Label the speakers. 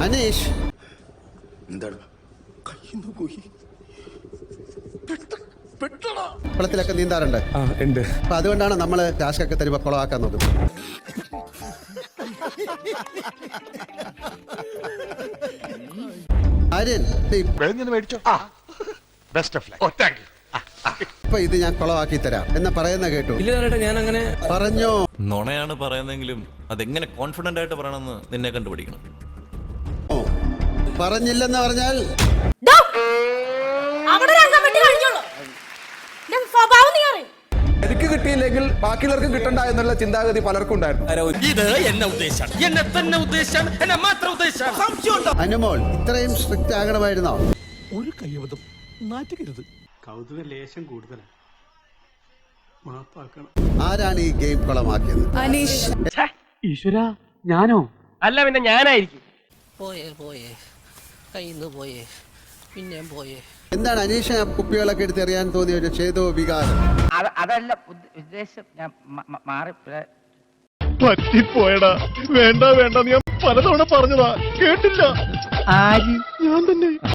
Speaker 1: അനീഷ്
Speaker 2: എന്താണ്
Speaker 1: കുളത്തിലൊക്കെ നീന്താറുണ്ട്.
Speaker 3: ഉണ്ട്.
Speaker 1: അപ്പൊ അതുകൊണ്ടാണ് നമ്മള് ടാസ്ക് ഒക്കെ തരുമ്പോ കുളമാക്കാൻ നോക്കുന്നത്. ആര്യൻ ഇപ്പൊ ഇത് ഞാൻ കുളമാക്കി തരാം എന്ന് പറയുന്ന കേട്ടു.
Speaker 3: ഇല്ല ഞാൻ അങ്ങനെ
Speaker 1: പറഞ്ഞോ.
Speaker 4: നുണയാണ് പറയുന്നെങ്കിലും അതെങ്ങനെ കോൺഫിഡന്റ് ആയിട്ട് പറയണമെന്ന് നിന്നെ കണ്ടുപിടിക്കണം.
Speaker 1: പറഞ്ഞില്ലെന്ന് പറഞ്ഞാൽ
Speaker 5: എനിക്ക് കിട്ടിയില്ലെങ്കിൽ ബാക്കിയുള്ളവർക്കും കിട്ടണ്ട എന്നുള്ള ചിന്താഗതി പലർക്കും ഉണ്ടായിരുന്നു.
Speaker 1: അനുമോൾ ഇത്രയും സ്ട്രിക്റ്റ് ആകണമായിരുന്നോ?
Speaker 6: ഒരു കയ്യബദ്ധം നാറ്റുകരുത്. കൗതുക ലേശം കൂടുതലാണ്. മാപ്പാക്കണം.
Speaker 1: ആരാണ് ഈ ഗെയിം കുളമാക്കിയത്?
Speaker 7: അനീഷ്.
Speaker 6: ഈശ്വര ഞാനോ?
Speaker 8: അല്ല പിന്നെ ഞാനായിരിക്കും.
Speaker 9: പോയേ കയ്യിന്ന് പോയേ പിന്നെയും പോയേ.
Speaker 1: എന്താണ് അനീഷ കുപ്പികളൊക്കെ എടുത്ത് എറിയാൻ തോന്നിയ ഒരു ചേതോ വികാരം?
Speaker 8: അതല്ല ഉദ്ദേശം. ഞാൻ മാറി
Speaker 3: പറ്റിപ്പോയടാ. വേണ്ട ഞാൻ പലതവണ പറഞ്ഞതാ, കേട്ടില്ല.
Speaker 8: ആര്?
Speaker 3: ഞാൻ തന്നെ.